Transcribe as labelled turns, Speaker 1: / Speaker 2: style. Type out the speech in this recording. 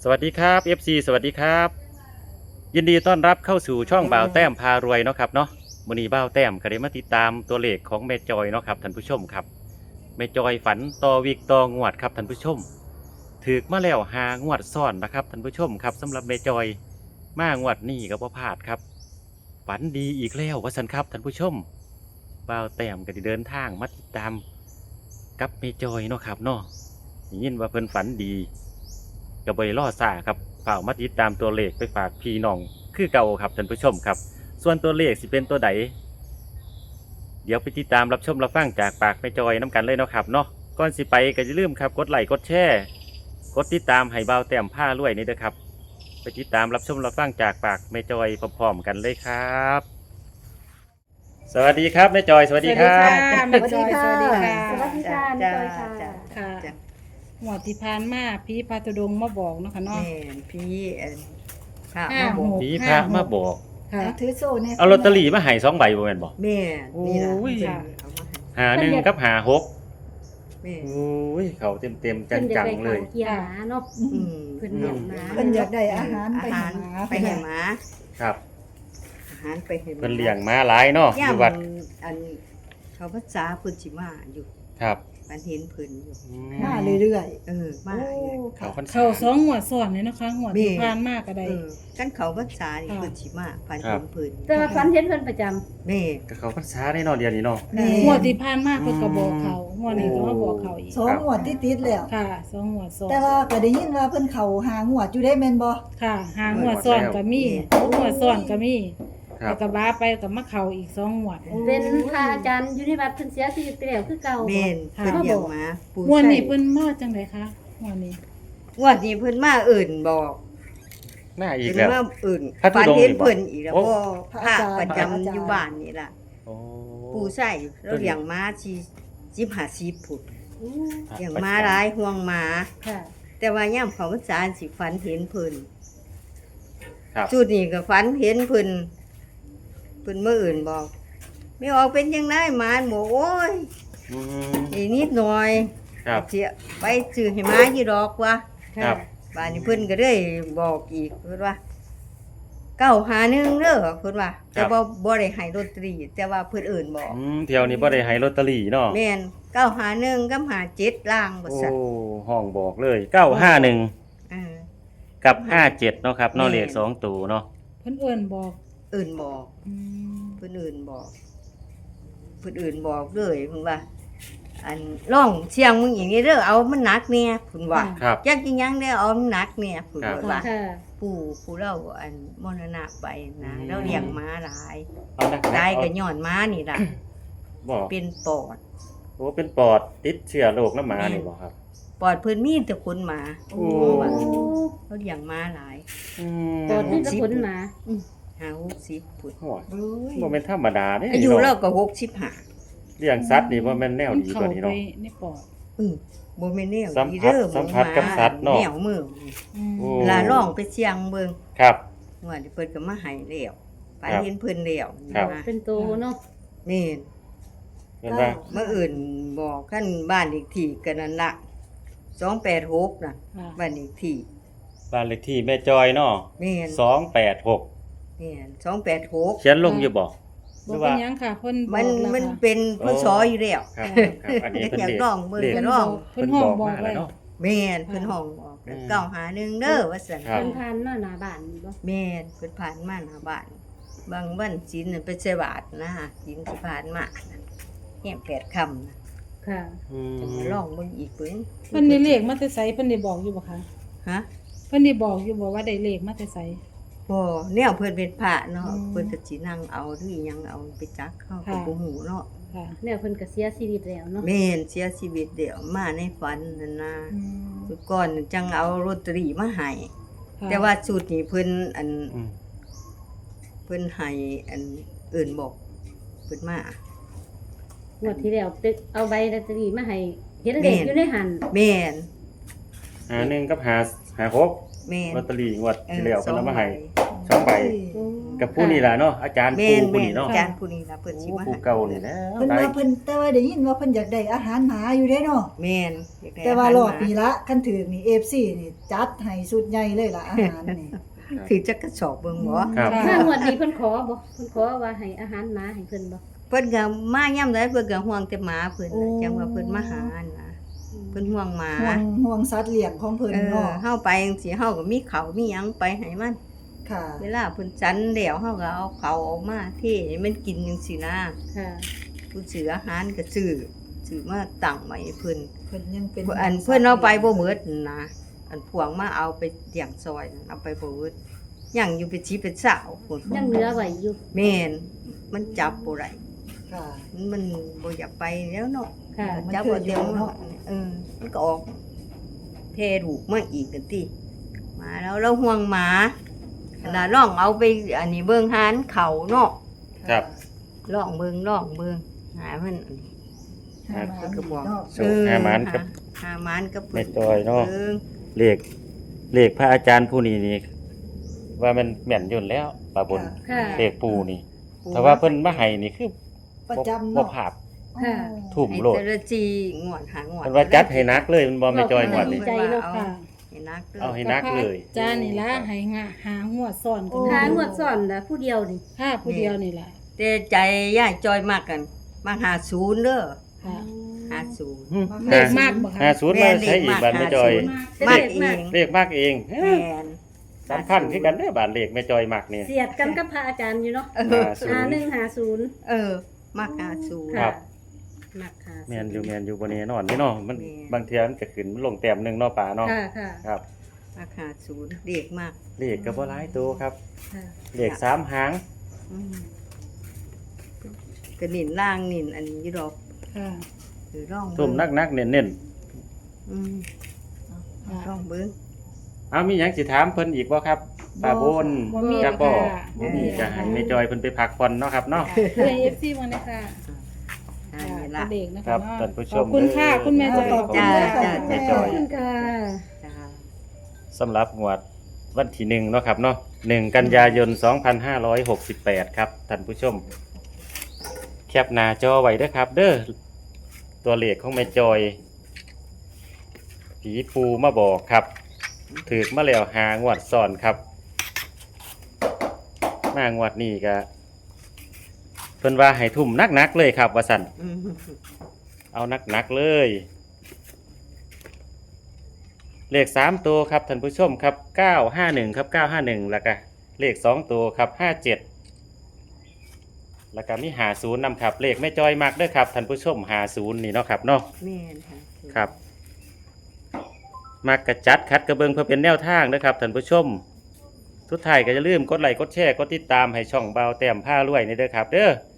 Speaker 1: สวัสดีครับ FC สวัสดีครับยินดีต้อนรับเข้าสู่ช่องบ่าวแต้มพารวยเนาะครับเนาะมื้อนี้บ่าวแต้มก็ได้มาติดตามตัวเลขของแม่จอยเนาะครับท่านผู้ชมครับแม่จอยฝันต่อวีกต่องวดครับท่านผู้ชมถูกมาแล้ว5 งวดซ้อนนะครับท่านผู้ชมครับสำหรับแม่จอยมางวดนี้ก็บ่พลาดครับฝันดีอีกแล้วว่าซั่นครับท่านผู้ชมบ่าวแต้มก็ได้เดินทางมาติดตามกับแม่จอยเนาะครับเนาะได้ยินว่าเพิ่นฝันดี ก็บ่ได้รอซ่าครับฝากมาติดตามตัวเลขไปฝากพี่น้องคือเก่าครับท่านผู้ชมครับส่วนตัวเลขสิเป็นตัวใดเดี๋ยวไปติดตามรับชมรับฟังจากปากแม่จอยน้ำกันเลยเนาะครับเนาะก่อนสิไปก็อย่าลืมครับกดไลค์กดแชร์กดติดตามให้บ่าวแต้มผ้ารวยนี่เด้อครับไปติดตามรับชมรับฟังจากปากแม่จอยพร้อมๆกันเลยครับสวัสดีครับแม่จอยสวัสดีครับ
Speaker 2: แม่จอยสวัสดีค่ะ
Speaker 3: สวัสดีค่ะแม่จอยค่ะ
Speaker 2: ค่ะ
Speaker 3: จ้ะ
Speaker 2: หมวดที่พานมาพี่ปาตุดงมาบอกเนาะค่ะเนาะ
Speaker 3: แม่นพี่พระ
Speaker 2: ห้า
Speaker 3: มาบ
Speaker 2: ห
Speaker 3: อก
Speaker 2: ก
Speaker 1: ผีพระมาบอก
Speaker 2: ค่ะ
Speaker 4: ถือโซ่เนี่ย
Speaker 1: เอาลอตเตอรี่มาให้2 ใบบ่แม่นบ่
Speaker 3: แม่นี่ล่ะ
Speaker 1: โอ้ย
Speaker 3: ค่ะเอามาให้
Speaker 1: 51กับ56
Speaker 3: แม่
Speaker 1: โอ้ยเขาเต็มๆ
Speaker 5: เพิ่นอยา
Speaker 1: จั
Speaker 5: ก
Speaker 1: ง
Speaker 5: ได้
Speaker 1: ๆเล
Speaker 5: ข้าวย เกียร์หมาเนาะ
Speaker 3: อืม
Speaker 5: เพิ่นเลี้ยงหมา
Speaker 4: เพิ่นอยากได้อาหารไป
Speaker 3: อา
Speaker 4: หา
Speaker 3: หาร
Speaker 4: หมา
Speaker 3: ไปให้หมา
Speaker 1: ครับ
Speaker 3: อาหารไปให้หมา
Speaker 1: เพิ่นเลี้ยงม้าหลายเนาะอยู่วัด
Speaker 3: อันเขาภาษาเพิ่นสิมาอยู่
Speaker 1: ครับ
Speaker 3: มันเห็นเพิ่นอยู่
Speaker 4: มาเรื่อย
Speaker 3: เออ
Speaker 4: ๆ
Speaker 3: มา
Speaker 4: โอ้
Speaker 3: อยู่
Speaker 1: เขาค่อน
Speaker 2: เขาสองหมวดซ้อนเลยนะคะหมวดที่พานมากก็ได้
Speaker 3: เออกันเขาภาษานี่
Speaker 2: ค่ะ
Speaker 3: เพิ่นสิมาพันเห็นเพิ่น
Speaker 5: แต่ว่าฝันเห็นเพิ่นประจำ
Speaker 3: แม่
Speaker 1: ก็เขาพรรษาได้เนาะเดี๋ยวนี้เนาะ
Speaker 2: หมวดที่พานมากเพิ่นก็บอกเขาหมวดนี้ก็มาบอกเขาอีก
Speaker 4: สองงวดติดๆแล้ว
Speaker 2: ค่ะสองหมวดซ้อน
Speaker 4: แต่ว่าก็ได้ยินว่าเพิ่นเข้าหางวดอยู่ได้แม่นบ่
Speaker 2: ค่ะหาหมวดซ้อนก็มีหมวดซ้อนก็มี
Speaker 1: ครั
Speaker 2: แล้
Speaker 1: บ
Speaker 2: วก็บ้าไปก็มาเขาอีกสองหมวด
Speaker 5: เป็นพระอาจารย์อยู่ในวัดเพิ่นเสียชีวิตไปแล้วคือเก่า
Speaker 3: แม่น
Speaker 2: ค่ะ
Speaker 3: เพิ่นเลี้ยงหมาปู่
Speaker 2: หมวด
Speaker 3: ใส่
Speaker 2: นี้เพิ่นมาจังไดคะหมวดนี้
Speaker 3: งวดนี้เพิ่นมาเอิ่นบอก
Speaker 1: หน้าอีก
Speaker 3: เพิ่น
Speaker 1: แล้ว
Speaker 3: มาเอิ่น
Speaker 1: พระธุ
Speaker 3: ฝัน
Speaker 1: ดงค์
Speaker 3: เห็น
Speaker 1: นี่บ่
Speaker 3: เพิ่นอีกแล้ว
Speaker 1: โอ้
Speaker 3: บ่พระประจำอยู่บ้านนี่ล่ะ
Speaker 1: โอ้
Speaker 3: ปู่ใส่แล้วเลี้ยงม้าสิ10-50พุด
Speaker 5: อู้
Speaker 3: เลี้ยงม้าหลายห่วงม้า
Speaker 5: ค่ะ
Speaker 3: แต่ว่ายามเขาพรรษาสิฝันเห็นเพิ่น
Speaker 1: ครับ
Speaker 3: จุดนี้ก็ฝันเห็นเพิ่นมื้ออื่นบอกไม่ออกเป็นจังได๋หมาหมูโอ้ย
Speaker 1: อืม
Speaker 3: อีกนิดหน่อย
Speaker 1: ครับ
Speaker 3: เสียไปซื้อให้หมาอยู่ดอกวะ
Speaker 1: ครับ
Speaker 3: บ้านนี้เพิ่นก็เลยบอกอีกเพิ่นว่า951เด้อเพิ่นว่าแต่บ่ได้ให้ลอตเตอรี่แต่ว่าเพิ่นเอิ้นบอก
Speaker 1: เที่ยวนี้บ่ได้ให้ลอตเตอรี่เนาะ
Speaker 3: แม่น951กับ57ล่างบ่
Speaker 1: โอ้
Speaker 3: ซั่น
Speaker 1: ห้องบอกเลย951
Speaker 3: เออ
Speaker 1: กับ57เนาะครับเนาะเลข2ตัวเนาะ
Speaker 2: เพิ่นเอิ้นบอก
Speaker 3: เอิ้นบอก
Speaker 2: อืม
Speaker 3: เพิ่นเอิ้นบอกเพิ่นเอิ้นบอกเลยเพิ่นว่า อันร้องเสียงมึงอย่างนี้เด้อเอามันหนักแน่เพิ่นว่า
Speaker 1: ครับ
Speaker 3: จักอีหยังเด้อเอามันหนักแน่เพิ่น
Speaker 1: ครับ
Speaker 3: ว่า
Speaker 5: ค่ะ
Speaker 3: ผู้เราอันมรณะไปนะ
Speaker 1: อืม
Speaker 3: เราเลี้ยงม้าหลาย
Speaker 1: เอานัก
Speaker 3: ตายก็ย้อนม้านี่ล่ะ
Speaker 1: บอก
Speaker 3: เป็นปอด
Speaker 1: โอ้เป็นปอดติดเชื้อโรคน้ำหมานี่บ่ครับ
Speaker 3: ปอดเพิ่นมีแต่ขนหมา
Speaker 1: โอ้
Speaker 3: ว่าเราเลี้ยงม้าหลาย
Speaker 1: อืม
Speaker 5: ตอนนี้จะขนหมา
Speaker 3: 50พุ่น
Speaker 1: โอ้ย
Speaker 4: โอ้ย
Speaker 1: บ่แม่นธรรมดาเด้
Speaker 3: อายุ
Speaker 1: เนาะ
Speaker 3: เราก็65
Speaker 1: เลี้ยงสัตว์นี่บ่แม่นแนวดีกว่านี้
Speaker 2: เข้า
Speaker 1: เนาะ
Speaker 2: ไปในปอด
Speaker 3: อือบ่แม่นแนว
Speaker 1: สัม
Speaker 3: ดี
Speaker 1: ผัส
Speaker 3: เด้อ
Speaker 1: สัมผัสกับสัตว์เนาะ
Speaker 3: แนวมือ
Speaker 2: อืม
Speaker 1: โอ้
Speaker 3: ลาร้องไปเสียงเบิ่ง
Speaker 1: ครับ
Speaker 3: ว่าเพิ่นก็มาให้แล้วไป
Speaker 1: ครับ
Speaker 3: เห็นเพิ่นแล้ว
Speaker 1: ครับ
Speaker 3: นะ
Speaker 5: เป็นโตเนาะ
Speaker 3: แม่น
Speaker 1: เห็นว่า
Speaker 3: เมื่ออื่นบอกขั้นบ้านอีกที่กันนั่นละ286น่ะ
Speaker 2: ค่ะ
Speaker 3: บ้านอีกที่
Speaker 1: บ้านเลขที่แม่จอยเนาะ
Speaker 3: แม่น
Speaker 1: 286
Speaker 3: แม่น286
Speaker 1: เขียนลงอยู่บ่ห
Speaker 2: บ่
Speaker 1: รือ
Speaker 2: เป็
Speaker 1: ว่า
Speaker 2: นหยังค่ะเพิ่นบ
Speaker 3: มั
Speaker 2: อน กแล้ว
Speaker 3: มัน
Speaker 2: ค่ะ
Speaker 3: เป็นเพิ่นสออยู่แล้ว
Speaker 1: ครับครับอันนี้เป็น
Speaker 3: อยาก
Speaker 1: เลข
Speaker 3: ร้องเบิ่ง
Speaker 1: เลข
Speaker 3: ก็ร้อง
Speaker 2: เพิ่นห้องบอก
Speaker 1: มา
Speaker 2: ไว้
Speaker 1: แล้วเนาะ
Speaker 3: แม่นเพิ่นห้องบอก
Speaker 1: อืม
Speaker 3: เก้าหาหนึ่งเด้อว่าซั่น
Speaker 1: ครับ
Speaker 5: เพิ่นผ่านมาหน้าบ้านนี่บ่
Speaker 3: แม่นเพิ่นผ่านมาหน้าบ้าน บางวันศีลน่ะไปใส่บาตรนะศีลสิผ่านมาน่ะแห่ง8ค่ำนะ
Speaker 5: ค่ะ
Speaker 1: อืม
Speaker 3: จะมาร้องเบิ่งอีกเบิ่ง
Speaker 2: เพิ่นได้เลขมาแต่ไสเพิ่นได้บอกอยู่บ่คะ
Speaker 3: ฮะ
Speaker 2: เพิ่นได้บอกอยู่บ่ว่าได้เลขมาแต่ไส
Speaker 3: บ่แนวเพิ่นเป็นพระเนาะ
Speaker 2: อืม
Speaker 3: เพิ่นก็สินั่งเอาหรืออิหยังเอาไปจักเข้าก็
Speaker 2: ค่ะ
Speaker 3: บ่ฮู้เนาะ
Speaker 2: ค่ะ
Speaker 5: แล้วเพิ่นก็เสียชีวิตแล้วเนาะ
Speaker 3: แม่นเสียชีวิตเดี๋ยวมาในฝันนั่นนะ
Speaker 2: อืม
Speaker 3: สุดก่อนจังเอาลอตเตอรี่มาให้
Speaker 2: ค่ะ
Speaker 3: แต่ว่าสูตรนี้เพิ่นอัน
Speaker 1: อืม
Speaker 3: เพิ่นให้อันอื่นบอกเพิ่นมาง
Speaker 5: วดที่แล้วตึกเอาใบลอตเตอรี่มาให้เห็นเลขอยู่ในหัน
Speaker 3: แม่น
Speaker 1: 51กับ56
Speaker 3: แม่น
Speaker 1: ลอตเตอรี่งวดที่แล้วเพิ่นเอามาให้
Speaker 3: 2ใบ
Speaker 1: สองใบ
Speaker 5: โอ้
Speaker 1: กับผู้นี่ล่ะเนาะอาจารย์
Speaker 3: แม่
Speaker 1: ปู
Speaker 3: น
Speaker 1: ผู้
Speaker 3: แม่น
Speaker 1: นี่เนาะ
Speaker 3: อาจารย์ผู้นี้ล่ะเพิ่นสิมา
Speaker 1: ผู้
Speaker 3: ให้
Speaker 1: เก่านี่แหล้ว
Speaker 4: เพิ่นว่าเพิ่นแต่ว่าได้ยินว่าเพิ่นอยากได้อาหารหมาอยู่เด้เนาะ
Speaker 3: แม่นอยกได้
Speaker 4: แต่ว่ารอบ
Speaker 3: ห
Speaker 4: นี้ละคันถือนี่ FC นี่จัดให้สุดใหญ่เลยล่ะอาหารนี่
Speaker 3: ถือจักกระสอบเบิ่งบ่
Speaker 1: ครับ
Speaker 2: ค่ะ
Speaker 5: ถ้างวดนี้เพิ่นขอบ่เพิ่นขอว่าให้อาหารหมาให้เพิ่นบ่
Speaker 3: เพิ่นก็มายามใดเพิ่นก็ห่วงแต่หมาเพิ่น
Speaker 4: โอ้
Speaker 3: น่ะจังว่าเพิ่นมาหาน่ะเพิ่นห่วงหมา
Speaker 4: ห่วงสัตว์เลี้ยงของเพิ่น
Speaker 3: เออ
Speaker 4: เนาะ
Speaker 3: เฮาไปจังซี่เฮาก็มีข้าวมีหยังไปให้มัน
Speaker 4: ค่ะ
Speaker 3: เวลาเพิ่นจันแล้วเฮาก็เอาข้าวออกมาเทให้มันกินจังซี่นะ
Speaker 5: ค่ะ
Speaker 3: ผู้ซื้ออาหารก็ซื้อมาตั้งไว้ให้เพิ่น
Speaker 4: เพิ่นยังเป็น
Speaker 3: อันเพิ่นเอาไปบ่เบิดนะอันพวงมาเอาไปเลี้ยงซอยนั่นเอาไปบ่เบิดยังอยู่เป็นชีเป็นสาวพุ่น
Speaker 5: ยังเหลือไว้อยู่
Speaker 3: แม่นมันจับบ่ได้
Speaker 4: ค่ะ
Speaker 3: มันบ่อยากไปแล้วเนาะ
Speaker 5: ค่ะ
Speaker 3: จับบ่เดียวเนาะมันก็ออกแพร่ลูกมาอีกกันติมาแล้วเราห่วงหมาน่ะลองเอาไปอันนี้เบิ่งหานเขาเนาะ
Speaker 1: ครับ
Speaker 3: ลองเบิ่งหามันอันนี้
Speaker 4: หาหมา
Speaker 3: เพิ่นก็บอก
Speaker 4: เนาะ
Speaker 1: โชคหาหมานกับ
Speaker 3: หาหมานกับ
Speaker 1: แม่จอยเนาะ
Speaker 3: บิ่ง
Speaker 1: เลขพระอาจารย์ผู้นี้นี่ว่ามันแม่นอยู่แล้วปาบน
Speaker 5: ค่ะ
Speaker 1: เลขปูนี่ถ้าว่าเพิ่นมาให้นี่คือ
Speaker 4: ประจำ
Speaker 1: บ่
Speaker 4: เนาะ
Speaker 1: ผาด
Speaker 5: ค่ะ
Speaker 1: ทุ่ม
Speaker 3: ไอ้
Speaker 1: โลด
Speaker 3: แต่ละจีงวดหางวด
Speaker 1: เพิ่นว่าจัดให้นักเลยมันบ่แม่จอยงวดนี่
Speaker 5: ใจเนาะ
Speaker 2: ค่ะ
Speaker 3: ให้นักเลย
Speaker 1: เอาให้นักเลย
Speaker 2: จานนี่ละให้หาหัวซ่อนกัน
Speaker 5: หางวดซ่อนน่ะผู้เดียวนี่
Speaker 2: ค่ะผู้เดียวนี่ล่ะ
Speaker 3: แต่ใจย่ายจอยมากกันมาหาศูนย์เด้อ
Speaker 2: ค่ะ
Speaker 3: หาศูนย์
Speaker 2: เลขมากบ่คะ
Speaker 1: 50มาใช้อีกบาทแม่จอย
Speaker 3: มากเอง
Speaker 1: เลขมากเอง
Speaker 3: แม่น
Speaker 1: สำคัญคือกันเด้อบาทเลขแม่จอยมักนี่
Speaker 5: เสียดกันกับพระอาจารย์อยู่เนาะ
Speaker 3: เออ
Speaker 5: 5150
Speaker 3: เออมากหาศูนย์
Speaker 1: ครับ
Speaker 5: มักค่ะ
Speaker 1: แม่นอยู่บ่แน่นอนนี่เนาะมัน
Speaker 3: แม่น
Speaker 1: บางเทื่อมันก็ขึ้นลงแต้มหนึงเนาะป่าเนาะ
Speaker 5: ค่ะค่ะ
Speaker 1: ครับ
Speaker 3: มากหาศูนย์เด็กมาก
Speaker 1: เลขก็บ่หลายตัวครับ
Speaker 5: ค่ะ
Speaker 1: เลข3หาง
Speaker 3: อืมก็นินล่างนินอันนี้อยู่ดอก
Speaker 2: ค่ะ
Speaker 3: หรือร่อง
Speaker 1: ทุ่มนักๆเน้น
Speaker 3: อืม
Speaker 2: ค่ะ
Speaker 3: ร่องเบิ้ง
Speaker 1: ๆเอามีหยังสิถามเพิ่นอีกบ่ครับป้าบน
Speaker 2: บ่มี
Speaker 1: จักบ่
Speaker 2: ค่ะ
Speaker 1: บ่มีก็ให้แม่จอยเพิ่นไปพักผ่อนเนาะครับเนาะ
Speaker 2: เพื่อน FC มาเลยค่ะ
Speaker 3: อัน
Speaker 2: ค่ะ
Speaker 3: นี้ละ
Speaker 2: เด็กนะ
Speaker 1: ครั
Speaker 2: คะ
Speaker 1: บ
Speaker 2: เนาะ
Speaker 1: ท่านผู้ช
Speaker 2: ขอ
Speaker 1: ม
Speaker 2: บคุณค่ะ คุณแม่จอย
Speaker 1: ขอบคุณ
Speaker 3: จ้า
Speaker 1: ครับ
Speaker 3: จ้า
Speaker 1: แม่จ
Speaker 5: ข
Speaker 1: อ
Speaker 5: อบ
Speaker 1: ย
Speaker 5: คุณค่ะ
Speaker 3: จ้า
Speaker 1: สำหรับงวดวันที่1เนาะครับเนาะ1กันยายน 2568 ครับท่านผู้ชม แคปหน้าจอไว้เด้อครับ เด้อตัวเลขของแม่จอย ผีปูมาบอกครับถือมาแล้ว5 งวดซ้อนครับมางวดนี้ก็เพิ่นว่าให้ทุ่มนักๆเลยครับว่าซั่น
Speaker 3: อืม
Speaker 1: เอานักๆเลย เลข3ตัวครับท่านผู้ชมครับ951ครับ951แล้วก็เลข2ตัวครับ57แล้วก็มี50นำครับเลขแม่จอยมักเด้อครับท่านผู้ชม50นี่เนาะครับเนาะ
Speaker 3: แม่นค่ะ
Speaker 1: ครับ มักกระจัดคัดกระเบิงเพื่อเป็นแนวทางนะครับท่านผู้ชมสุดท้ายก็อย่าลืมกดไลค์กดแชร์กดติดตามให้ช่องเบาแต้มผ้ารวยนี่เด้อครับ เด้อ